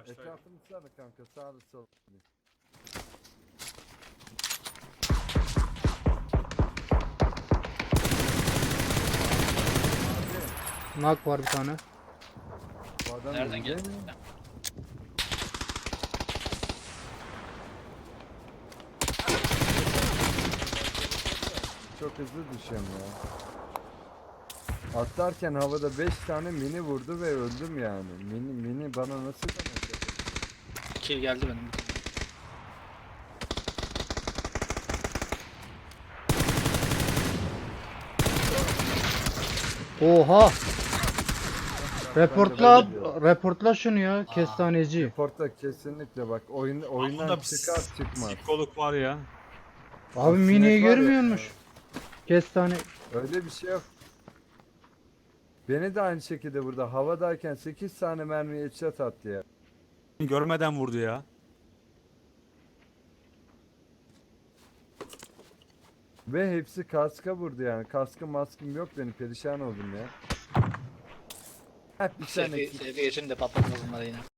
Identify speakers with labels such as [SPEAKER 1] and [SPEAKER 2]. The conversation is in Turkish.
[SPEAKER 1] Ağaçlar.
[SPEAKER 2] Etrafını sana kanka, sağda solda.
[SPEAKER 3] Knock var bir tane.
[SPEAKER 2] Bu adam
[SPEAKER 1] Nereden
[SPEAKER 2] önde
[SPEAKER 1] geldi?
[SPEAKER 2] mi? Çok hızlı düşüyorum ya. Atlarken havada 5 tane mini vurdu ve öldüm yani. Mini bana nasıl demek?
[SPEAKER 1] Kill geldi benim.
[SPEAKER 3] Oha! Reportla,
[SPEAKER 2] Ben de
[SPEAKER 3] reportla şunu ya, kestaneci.
[SPEAKER 2] Reporta kesinlikle bak, oyundan
[SPEAKER 4] Bunda
[SPEAKER 2] çıkar çıkmaz.
[SPEAKER 4] psikolog var ya.
[SPEAKER 3] Abi
[SPEAKER 2] O sinek
[SPEAKER 3] miniyi
[SPEAKER 2] var ya,
[SPEAKER 3] görmüyormuş. Kestane.
[SPEAKER 2] öyle bir şey yok. Beni de aynı şekilde burada havadayken 8 tane mermi headshot attı ya.
[SPEAKER 4] Görmeden vurdu ya.
[SPEAKER 2] Ve hepsi kaska vurdu yani. Kaskım maskım yok, benim perişan oldum ya. Hep bir tane
[SPEAKER 1] Seviye için de patlatmaz bunları yine.